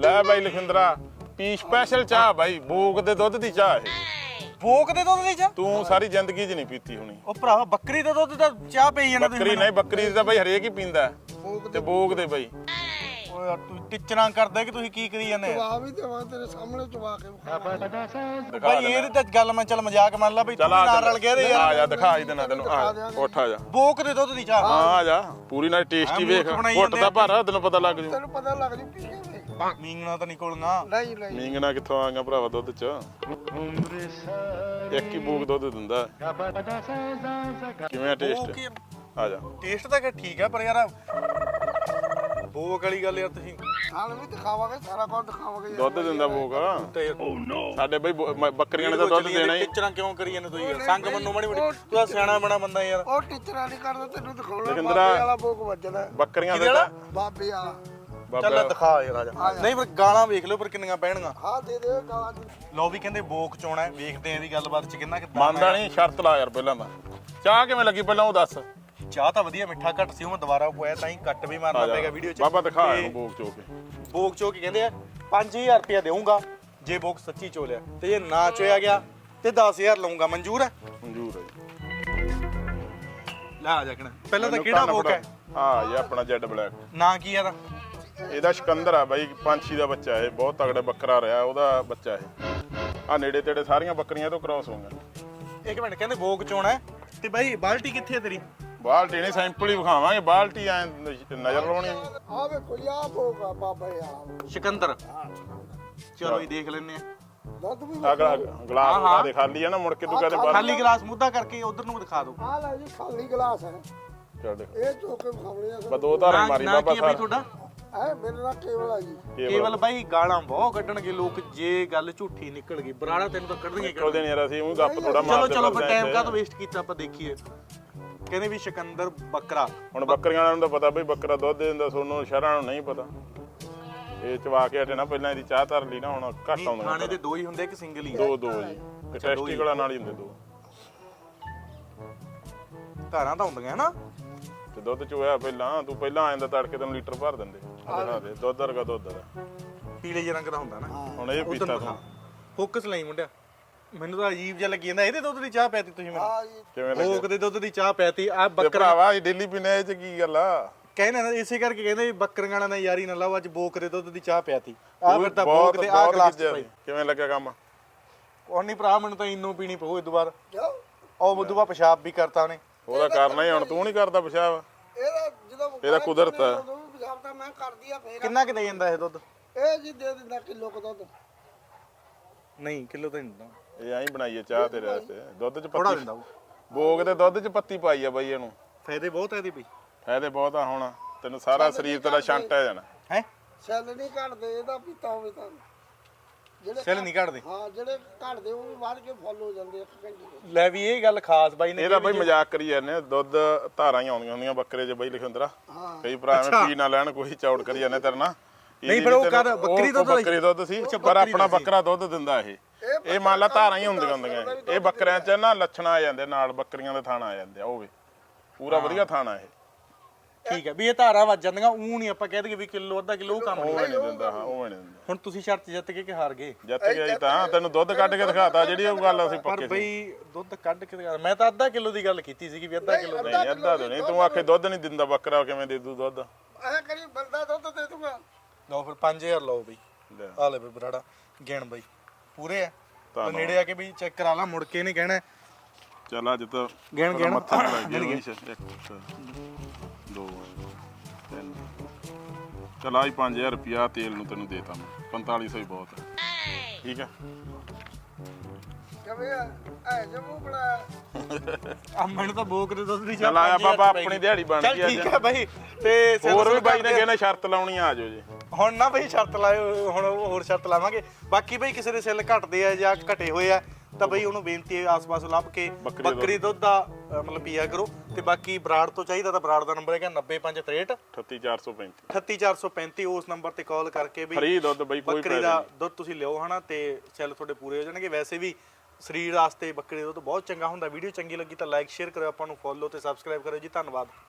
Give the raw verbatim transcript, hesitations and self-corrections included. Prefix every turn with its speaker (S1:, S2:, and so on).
S1: ਲੈ ਬਾਈ ਲਖਿੰਦਰਾ ਪੀ ਸਪੈਸ਼ਲ ਚਾਹ ਬਾਈ ਬੋਕ ਦੇ ਦੁੱਧ ਦੀ ਚਾਹ ਇਹ
S2: ਬੋਕ ਦੇ ਦੁੱਧ ਦੀ ਚਾਹ
S1: ਤੂੰ ਸਾਰੀ ਜ਼ਿੰਦਗੀ 'ਚ ਨਹੀਂ ਪੀਤੀ ਹੋਣੀ।
S2: ਉਹ ਭਰਾ ਬੱਕਰੀ ਦੇ ਦੁੱਧ ਦਾ ਚਾਹ ਪਈ ਜਾਂਦਾ
S1: ਬੱਕਰੀ ਨਹੀਂ ਬੱਕਰੀ ਦਾ ਬਾਈ ਹਰੇਕ ਹੀ ਪੀਂਦਾ ਤੇ ਬੋਕ ਦੇ ਬਾਈ
S2: ਓਏ ਯਾਰ ਤੂੰ ਟਿਚਰਾਂ ਕਰਦਾ ਕਿ ਤੁਸੀਂ ਕੀ ਕਰੀ ਜਾਂਦੇ
S3: ਚਵਾ ਵੀ ਦੇਵਾਂ ਤੇਰੇ ਸਾਹਮਣੇ ਚਵਾ ਕੇ ਵਿਖਾ।
S2: ਬਾਈ ਇਹਦੀ ਤਾਂ ਗੱਲ ਮੈਂ ਚੱਲ ਮਜ਼ਾਕ ਮੰਨ ਲਾ ਬਈ ਤੂੰ
S1: ਚਲ
S2: ਨਾਲ ਰਲ ਗਿਆ ਤੇ
S1: ਆ
S2: ਯਾਰ
S1: ਜਾ ਦਿਖਾ ਹੀ ਦੇਣਾ ਤੈਨੂੰ ਆ ਉੱਠ ਆ ਜਾ
S2: ਬੋਕ ਦੇ ਦੁੱਧ ਦੀ ਚਾਹ
S1: ਹਾਂ ਆ ਜਾ ਪੂਰੀ ਨਾਲ ਟੇਸਟੀ ਵੇਖ
S2: ਮੂਰਖ ਬਣਾਈ
S1: ਘੁੱਟ ਦਾ ਭਾਰਾ ਤੈਨੂੰ ਪਤਾ ਲੱਗ ਜੂ
S3: ਤੈਨੂੰ ਪਤਾ ਲੱਗ ਜੂ ਪੀ ਕੇ ਵੇਖ।
S2: ਮੀਂਗਣਾ ਤਾਂ ਨਿਕਲਣਾ
S3: ਨਹੀਂ ਨਹੀਂ
S1: ਮੀਂਗਣਾ ਕਿੱਥੋਂ ਆਂਗਾ ਭਰਾਵਾ ਦੁੱਧ 'ਚ ਇੱਕ ਹੀ ਬੋਕ ਦੁੱਧ ਦਿੰਦਾ ਕਿਵੇਂ ਟੇਸਟ ਆ ਜਾ
S2: ਟੇਸਟ ਤਾਂ ਕਿ ਠੀਕ ਆ ਪਰ ਯਾਰ ਬੋਕ ਵਾਲੀ ਗੱਲ ਯਾਰ ਤੁਸੀਂ
S3: ਹਾਲ ਵੀ ਦਿਖਾਵਾਂਗੇ ਸਾਰਾ ਕੁਝ ਦਿਖਾਵਾਂਗੇ ਯਾਰ।
S1: ਦੁੱਧ ਦਿੰਦਾ ਬੋਕ
S2: ਤੇ
S1: ਸਾਡੇ ਬਈ ਬੋ- ਮ- ਬੱਕਰੀਆਂ ਨੇ ਤਾਂ ਦੁੱਧ ਦੇਣਾ ਹੀ
S2: ਟਿਚਰਾਂ ਕਿਉਂ ਕਰੀ ਜਾਂਦੇ ਤੁਸੀਂ ਯਾਰ ਸੰਗ ਮੰਨੋ ਮਾੜੀ ਮੋਟੀ ਤੂੰ ਤਾਂ ਸਿਆਣਾ ਬਣਾ ਬੰਦਾ ਯਾਰ
S3: ਉਹ ਟੀਚਰਾਂ ਨਹੀਂ ਕਰਦਾ ਤੈਨੂੰ ਦਿਖਾਉਣਾ
S1: ਲਖਿੰਦਰਾ-
S3: ਬਾਬੇ ਵਾਲਾ ਬੋਕ ਵੱਜਦਾ
S1: ਬੱਕਰੀਆਂ
S2: ਕਿਹਦੇ
S1: ਦੇ
S2: ਵਾਲਾ?
S1: ਤਾਂ
S3: ਬਾਬੇ ਵਾਲਾ
S2: ਚੱਲ
S1: ਬਾਬਾ
S2: ਦਿਖਾ ਯਾਰ ਆ ਜਾ ਨਹੀਂ ਪਰ ਗਾਲਾਂ ਵੇਖ ਲਿਓ ਪਰ ਕਿੰਨੀਆਂ ਪੈਣਗੀਆਂ
S3: ਹਾਂ ਦੇ ਦੇ ਗਾਲਾਂ ਦੀ।
S2: ਲੋ ਵੀ ਕਹਿੰਦੇ ਬੋਕ ਚੋਣਾ ਹੈ ਵੇਖਦੇ ਆਂ ਇਹਦੀ ਗੱਲਬਾਤ ਚ ਕਿੰਨਾ ਕਿਦਾਂ
S1: ਮੰਨਦਾ ਨਹੀਂ ਸ਼ਰਤ ਲਾ ਯਾਰ ਪਹਿਲਾਂ ਤਾਂ ਚਾਹ ਕਿਵੇਂ ਲੱਗੀ ਪਹਿਲਾਂ ਉਹ ਦੱਸ
S2: ਚਾਹ ਤਾਂ ਵਧੀਆ ਮਿੱਠਾ ਘੱਟ ਸੀ ਉਹ ਮੈਂ ਦੁਬਾਰਾ ਪੋਇਆ ਤਾਂ ਹੀ ਕੱਟ ਵੀ ਮਾਰਨਾ ਪੈਗਾ ਵੀਡੀਓ ਚ
S1: ਬਾਬਾ ਦਿਖਾ
S2: ਤੇ
S1: ਇਹਨੂੰ ਬੋਕ ਚੋ ਕੇ
S2: ਬੋਕ ਚੋ ਕੇ ਕਹਿੰਦੇ ਆ ਪੰਜ ਹਜ਼ਾਰ ਰੁਪਇਆ ਦੇਵਾਂਗਾ ਜੇ ਬੋਕ ਸੱਚੀ ਚੋਲਿਆ ਤੇ ਜੇ ਨਾ ਚੋਇਆ ਗਿਆ ਤੇ ਦਸ ਹਜ਼ਾਰ ਲਵਾਂਗਾ ਮਨਜ਼ੂਰ ਹੈ
S1: ਮਨਜ਼ੂਰ ਹੈ ਜੀ।
S2: ਲੈ ਆ ਜਾ ਕਿਣਾ ਪਹਿਲਾਂ ਤਾਂ ਕਿਹੜਾ ਬੋਕ ਹੈ
S1: ਹਾਂ ਇਹ ਆਪਣਾ ਜੈਡ ਬਲੈਕ
S2: ਨਾਂ ਕੀ ਆ ਦਾ
S1: ਇਹਦਾ ਸਿਕੰਦਰ ਆ ਬਾਈ ਪੰਛੀ ਦਾ ਬੱਚਾ ਇਹ ਬਹੁਤ ਤਗੜਾ ਬੱਕਰਾ ਰਿਹਾ ਉਹਦਾ ਬੱਚਾ ਇਹ ਆ ਨੇੜੇ ਤੇੜੇ ਸਾਰੀਆਂ ਬੱਕਰੀਆਂ ਤੋਂ ਕ੍ਰਾਸ ਹੋਊਗਾ
S2: ਇੱਕ ਮਿੰਟ ਕਹਿੰਦੇ ਬੋਕ ਚੋਣਾ ਹੈ ਤੇ ਬਾਈ ਬਾਲਟੀ ਕਿੱਥੇ ਹੈ ਤੇਰੀ
S1: ਬਾਲਟੀ ਨਹੀਂ ਸੈਂਪਲ ਹੀ ਵਿਖਾਵਾਂਗੇ ਬਾਲਟੀ ਐ ਨਜ਼ਰ ਲਾਉਣੀ ਆ।
S3: ਆ ਵੇਖੋ ਜੀ ਆ ਬੋਕ ਆ ਬਾਬਾ ਯਾਰ
S2: ਸਿਕੰਦਰ ਚਲੋ ਇਹ ਦੇਖ ਲੈਨੇ ਆ
S3: ਦੁੱਧ ਵੀ
S1: ਆ ਗਲਾ- ਗਲਾਸ ਉਹਦਾ ਦੇ ਖਾਲੀ ਆ ਨਾ ਮੁੜ ਕੇ ਤੂੰ ਕਹਦੇ ਬਾਹਰ
S2: ਖਾਲੀ ਗਲਾਸ ਮੁੱਦਾ ਕਰਕੇ ਉਧਰ ਨੂੰ ਦਿਖਾ ਦਿਓ
S3: ਆ ਲੈ ਜੀ ਖਾਲੀ ਗਲਾਸ ਹੈ
S1: ਚੱਲ ਦੇਖ
S3: ਇਹ ਚੋ ਕੇ ਵਿਖਾਉਣੇ ਆ
S1: ਬਸ ਦੋ ਧਾਰਾਂ ਮਾਰੀ
S2: ਨਾਂ
S1: ਬਾਬਾ
S2: ਕੀ ਹੈ ਬਾਈ
S1: ਸਾਹਿਬ
S2: ਤੁਹਾਡਾ
S3: ਐ ਮੇਰੇ ਨਾਲ ਕੇਵਲ ਆ ਜੀ
S2: ਕੇਵਲ ਬਾਈ ਗਾਲਾਂ ਬਹੁਤ ਕੱਢਣਗੇ ਲੋਕ ਜੇ ਗੱਲ ਝੂਠੀ ਨਿਕਲ ਗਈ ਬਰਾੜਾ ਤੈਨੂੰ ਤਾਂ ਕੱਢਣਗੇ ਹੀ
S1: ਉਹਦੇ ਨਹੀਂ ਯਾਰ ਅਸੀਂ ਉਹ ਗੱਪ ਥੋੜਾ
S2: ਚਲੋ
S1: ਮਾਰਦੇ
S2: ਚਲੋ ਫਿਰ
S1: ਫਿਰਦੇ
S2: ਟਾਈਮ
S1: ਆਂ
S2: ਕਾਹਤੋਂ ਵੇਸਟ ਕੀਤਾ ਆਪਾਂ ਦੇਖੀਏ ਕਹਿੰਦੇ ਵੀ ਸਿਕੰਦਰ ਬੱਕਰਾ
S1: ਹੁਣ ਬੱਕਰੀਆਂ ਵਾਲਿਆਂ ਨੂੰ ਤਾਂ ਪਤਾ ਬਈ ਬੱਕਰਾ ਦੁੱਧ ਦੇ ਦਿੰਦਾ ਸੋਨੂੰ ਸ਼ਹਿਰਾਂ ਨੂੰ ਨਹੀਂ ਪਤਾ ਇਹ ਚਵਾ ਕੇ ਹਟੇ ਨਾ ਪਹਿਲਾਂ ਇਹਦੀ ਚਾਹ ਧਰ ਲਈ ਨਾ ਹੁਣ ਘੱਟ ਆਉਂਦਾ
S2: ਖਾਣੇ ਦੇ ਦੋ ਹੀ ਹੁੰਦੇ ਕਿ ਸਿੰਗਲ ਹੀ
S1: ਦੋ ਦੋ ਜੀ ਤੇ ਟੈਸਟੀਕਲਾਂ ਨਾਲ ਹੀ ਹੁੰਦੇ ਦੋ
S2: ਧਾਰਾਂ ਤਾਂ ਹੁੰਦੀਆਂ ਨਾ
S1: ਤੇ ਦੁੱਧ ਚੋਇਆ ਪਹਿਲਾਂ ਤੂੰ ਪਹਿਲਾਂ ਆ ਜਾਂਦਾ ਤੜਕੇ ਤੈਨੂੰ ਲੀਟਰ ਭਰ ਦਿੰਦੇ ਆਹ ਦਿਖਾ ਦੇ ਦੁੱਧ ਵਰਗਾ ਦੁੱਧ ਦਾ
S2: ਪੀਲੇ ਜਿਹੇ ਰੰਗ ਦਾ ਹੁੰਦਾ ਨਾ
S1: ਹੁਣ ਇਹ ਪੀਤਾ ਤੂੰ
S2: ਫੋਕਸ ਲਈ ਮੁੰਡਿਆ ਮੈਨੂੰ ਤਾਂ ਅਜੀਬ ਜਿਹਾ ਲੱਗੀ ਜਾਂਦਾ ਇਹਦੇ ਦੁੱਧ ਦੀ ਚਾਹ ਪੈਤੀ ਤੁਸੀਂ ਮੈਨੂੰ
S3: ਆ ਜੀ
S1: ਕਿਵੇਂ
S2: ਭੋਗ
S1: ਲੱਗਿਆ
S2: ਦੇ ਦੁੱਧ ਦੀ ਚਾਹ ਪੈਤੀ ਆ
S1: ਤੇ
S2: ਬੱਕਰਾ
S1: ਭਰਾਵਾ ਇਹ ਡੇਲੀ ਪੀਣੇ ਇਹ ਚ ਕੀ ਗੱਲ ਆ
S2: ਕਹਿੰਦੇ ਨਾ ਇਸੇ ਕਰਕੇ ਕਹਿੰਦੇ ਵੀ ਬੱਕਰੀਆਂ ਨਾਲ ਯਾਰੀ ਨਾ ਲਾਓ ਅੱਜ ਬੋਕ ਦੇ ਦੁੱਧ ਦੀ ਚਾਹ ਪਿਆਤੀ ਆ ਫਿਰ ਤਾਂ
S1: ਬਹੁਤ-
S2: ਬੋਕ ਦੇ ਆ
S1: ਬਹੁਤ
S2: ਗਲਾਸ
S1: ਗਿੱਜਿਆ
S2: ਭਾਈ
S1: ਸੀ। ਕਿਵੇਂ ਲੱਗਿਆ ਕੰਮ
S2: ਉਹ ਨਹੀਂ ਭਰਾ ਮੈਨੂੰ ਤਾਂ ਇੰਨੋ ਪੀਣੀ ਪਊ ਇਹ ਦੁਬਾਰਾ
S3: ਜਾਓ
S2: ਉਹ ਉਦੋਂ ਬਾਅਦ ਪਿਸ਼ਾਬ ਵੀ ਕਰਤਾ ਉਹਨੇ
S1: ਉਹਦਾ ਕਰਨਾ ਹੀ ਹੁਣ ਤੂੰ ਨਹੀਂ ਕਰਦਾ ਪਿਸ਼ਾਬ
S3: ਇਹਦਾ ਜਦੋਂ
S1: ਇਹਦਾ ਕੁਦਰਤ ਹੈ।
S3: ਉਦੋਂ ਵੀ ਪਿਸ਼ਾਬ ਤਾਂ ਮੈਂ ਕਰਦੀ ਆ ਫੇਰ
S2: ਕਿੰਨਾ ਕਿ ਦੇ ਜਾਂਦਾ ਇਹ ਦੁੱਧ
S3: ਇਹ ਜੀ ਦੇ ਦਿੰਦਾ ਕਿਲੋ ਕੁ ਦੁੱਧ
S2: ਨਹੀਂ ਕਿਲੋ ਤਾਂ ਨਹੀਂ ਦਿੰਦਾ
S1: ਇਹ ਐਂ ਬਣਾਈਏ ਚਾਹ ਤੇਰੇ ਵਾਸਤੇ ਦੁੱਧ ਚ
S2: ਥੋੜਾ
S1: ਪੱਤੀ
S2: ਦਿੰਦਾ ਉਹ
S1: ਬੋਗ ਦੇ ਦੁੱਧ ਚ ਪੱਤੀ ਪਾਈ ਆ ਬਾਈ ਇਹਨੂੰ
S2: ਫਾਇਦੇ ਬਹੁਤ ਹੈ ਇਹਦੇ ਵੀ
S1: ਫਾਇਦੇ ਬਹੁਤ ਆ ਹੁਣ ਤੈਨੂੰ ਸਾਰਾ ਸਰੀਰ ਤੇਰਾ ਛੰਟ ਆ ਜਾਣਾ
S2: ਹੈ
S3: ਸੈੱਲ ਨਹੀਂ ਘਟਦੇ ਇਹਦਾ ਪੀਤਾ ਹੋਵੇ ਤਾਂ ਜਿਹੜੇ
S2: ਸੈੱਲ ਨਹੀਂ ਕੱਢਦੇ
S3: ਹਾਂ ਜਿਹੜੇ ਘਟਦੇ ਉਹ ਵੀ ਵੱਧ ਕੇ ਫੁੱਲ ਹੋ ਜਾਂਦੇ ਇੱਕ ਘੰਟੇ ਚ।
S2: ਲੈ ਵੀ ਇਹ ਗੱਲ ਖਾਸ ਬਾਈ ਨੇ
S1: ਇਹਦਾ ਬਾਈ ਮਜ਼ਾਕ ਕਰੀ ਜਾਂਦੇ ਆ, ਦੁੱਧ ਧਾਰਾਂ ਹੀ ਆਉਂਦੀਆਂ ਹੁੰਦੀਆਂ ਬੱਕਰੇ 'ਚ ਬਾਈ ਲਿਖਿੰਦਰਾ
S3: ਹਾਂ
S1: ਕਈ ਭਰਾ ਐਵੇਂ ਪੀ ਨਾ ਲੈਣ ਕੋਈ ਚੌੜ ਕਰੀ ਜਾਂਦੇ ਤੇਰੇ ਨਾਲ
S2: ਨਹੀਂ, ਪਰ ਉਹ ਕਰ- ਬੱਕਰੀ ਦੁੱਧ
S1: ਬੱਕਰੀ ਦੁੱਧ ਸੀ ਪਰ ਆਪਣਾ ਬੱਕਰਾ ਦੁੱਧ ਦਿੰਦਾ ਇਹ ਇਹ ਮੰਨ ਲਾ ਧਾਰਾਂ ਹੀ ਹੁੰਦੀਆਂ ਹੁੰਦੀਆਂ ਇਹ ਬੱਕਰਿਆਂ 'ਚ ਨਾ ਲੱਛਣ ਆ ਜਾਂਦੇ ਨਾਲ ਬੱਕਰੀਆਂ ਦੇ ਥਾਣਾ ਆ ਜਾਂਦੇ ਆ ਉਹ ਵੀ ਪੂਰਾ ਵਧੀਆ ਥਾਣਾ ਇਹ
S2: ਠੀਕ ਹੈ ਵੀ ਇਹ ਧਾਰਾ ਵੱਜ ਜਾਂਦੀਆਂ ਉਹ ਨਹੀਂ ਆਪਾਂ ਕਹਿ ਦਈਏ ਵੀ ਕਿਲੋ ਅੱਧਾ ਕਿਲੋ ਉਹ ਕੰਮ
S1: ਉਹ
S2: ਨਹੀਂ
S1: ਨਹੀਂ ਦਿੰਦਾ ਹਾਂ ਉਹ ਨਹੀਂ ਦਿੰਦਾ
S2: ਹੁਣ ਤੁਸੀਂ ਸ਼ਰਤ ਜਿੱਤ ਕੇ ਕਿ ਹਾਰ ਗਏ
S1: ਜਿੱਤ ਗਿਆ ਜੀ ਤਾਂ ਤੈਨੂੰ ਦੁੱਧ ਕੱਢ ਕੇ ਦਿਖਾਤਾ ਜਿਹੜੀ ਉਹ ਗੱਲ ਅਸੀਂ
S2: ਪਰ
S1: ਪੱਕੇ ਸੀ
S2: ਬਈ ਦੁੱਧ ਕੱਢ ਕੇ ਦਿਖਾ- ਮੈਂ ਤਾਂ ਅੱਧਾ ਕਿਲੋ ਦੀ ਗੱਲ ਕੀਤੀ ਸੀਗੀ ਵੀ ਅੱਧਾ ਕਿਲੋ
S1: ਨਹੀਂ ਅੱਧਾ ਤੋਂ ਨਹੀਂ ਤੂੰ ਆਖੇ ਦੁੱਧ ਨਹੀਂ ਦਿੰਦਾ ਬੱਕਰਾ ਕਿਵੇਂ ਦੇ ਦੂ ਦੁੱਧ
S3: ਐ ਕਰੀ ਬੰਦਾ ਦੁੱਧ ਦੇ ਦੂੰਗਾ
S2: ਲਓ ਫਿਰ ਪੰਜ ਹਜ਼ਾਰ ਲਓ ਬਈ
S1: ਲੈ।
S2: ਆ ਲੈ ਬਈ ਬਰਾੜਾ ਗਿਣ ਬਈ ਪੂਰੇ ਆ
S1: ਧੰਨਵਾਦ।
S2: ਨੇੜੇ ਆ ਕੇ ਵੀ ਚੈੱਕ ਕਰਾ ਲਾ ਮੁੜ ਕੇ ਨਹੀਂ ਕਹਿਣਾ
S1: ਚੱਲ ਅੱਜ ਤਾਂ
S2: ਗਿਣ ਗਿਣ
S1: ਮੱਥਾ ਨੀ ਲੱਗ ਗਿਆ ਇੱਕ ਦੋ ਤਿੰਨ ਚੱਲ ਆਈ ਪੰਜ ਹਜ਼ਾਰ ਰੁਪਿਆ ਤੇਲ ਨੂੰ ਤੈਨੂੰ ਦੇਤਾ ਮੈਂ ਪੰਤਾਲੀ ਸੌ ਹੀ ਬਹੁਤ ਹੈ ਠੀਕ ਹੈ
S3: ਕਿਵੇਂ ਆ ਐ ਜਮੂ ਬੜਾ
S2: ਆ ਮੈਨੂੰ ਤਾਂ ਬੋਕ ਦੇ ਦੁੱਧ ਦੀ
S1: ਚੱਲ ਆਇਆ ਬਾਬਾ ਆਪਣੀ ਦਿਹਾੜੀ ਬਣ
S2: ਚੱਲ
S1: ਗਈ
S2: ਠੀਕ
S1: ਅੱਜ
S2: ਹੈ ਬਾਈ ਤੇ ਸਿਰ
S1: ਹੋਰ ਵੀ
S2: ਸੁਰ
S1: ਬਾਈ ਨੇ
S2: ਕਰਦੇ-
S1: ਕਹਿੰਦਾ ਸ਼ਰਤ ਲਾਉਣੀ ਆ ਜਾਓ ਜੀ
S2: ਹੁਣ ਨਾ ਬਈ ਸ਼ਰਤ ਲਾਇਓ ਹੁਣ ਉਹ ਹੋਰ ਸ਼ਰਤ ਲਾਵਾਂਗੇ ਬਾਕੀ ਬਈ ਕਿਸੇ ਦੇ ਸੈੱਲ ਘਟਦੇ ਆ ਜਾਂ ਘਟੇ ਹੋਏ ਆ ਤਾਂ ਬਈ ਉਹਨੂੰ ਬੇਨਤੀ ਹੈ ਆਸ-ਪਾਸ ਲੱਭ ਕੇ
S1: ਬੱਕਰੀ ਦੁੱਧ।
S2: ਬੱਕਰੀ ਦੁੱਧ ਦਾ ਅ, ਮਤਲਬ ਪੀਆ ਕਰੋ ਤੇ ਬਾਕੀ ਬਰਾੜ ਤੋਂ ਚਾਹੀਦਾ ਤਾਂ ਬਰਾੜ ਦਾ ਨੰਬਰ ਹੈਗਾ ਨੱਬੇ ਪੰਜ ਤਰੇਹਠ
S1: ਅਠੱਤੀ ਚਾਰ ਸੌ ਪੈਂਤੀ
S2: ਅਠੱਤੀ ਚਾਰ ਸੌ ਪੈਂਤੀ ਉਸ ਨੰਬਰ ਤੇ ਕਾਲ ਕਰਕੇ ਵੀ
S1: ਫਰੀ ਦੁੱਧ ਬਈ ਕੋਈ
S2: ਬੱਕਰੀ
S1: ਪੈਸੇ
S2: ਦਾ
S1: ਨਹੀਂ
S2: ਦੁੱਧ ਤੁਸੀਂ ਲਿਓ ਹਨਾ ਤੇ ਸੈੱਲ ਤੁਹਾਡੇ ਪੂਰੇ ਹੋ ਜਾਣਗੇ ਵੈਸੇ ਵੀ ਸਰੀਰ ਵਾਸਤੇ ਬੱਕਰੀ ਦਾ ਦੁੱਧ ਬਹੁਤ ਚੰਗਾ ਹੁੰਦਾ ਵੀਡੀਓ ਚੰਗੀ ਲੱਗੀ ਤਾਂ ਲਾਈਕ ਸ਼ੇਅਰ ਕਰਿਓ ਆਪਾਂ ਨੂੰ ਫੋਲੋ ਤੇ ਸਬਸਕ੍ਰਾਈਬ ਕਰਿਓ ਜੀ ਧੰਨਵਾਦ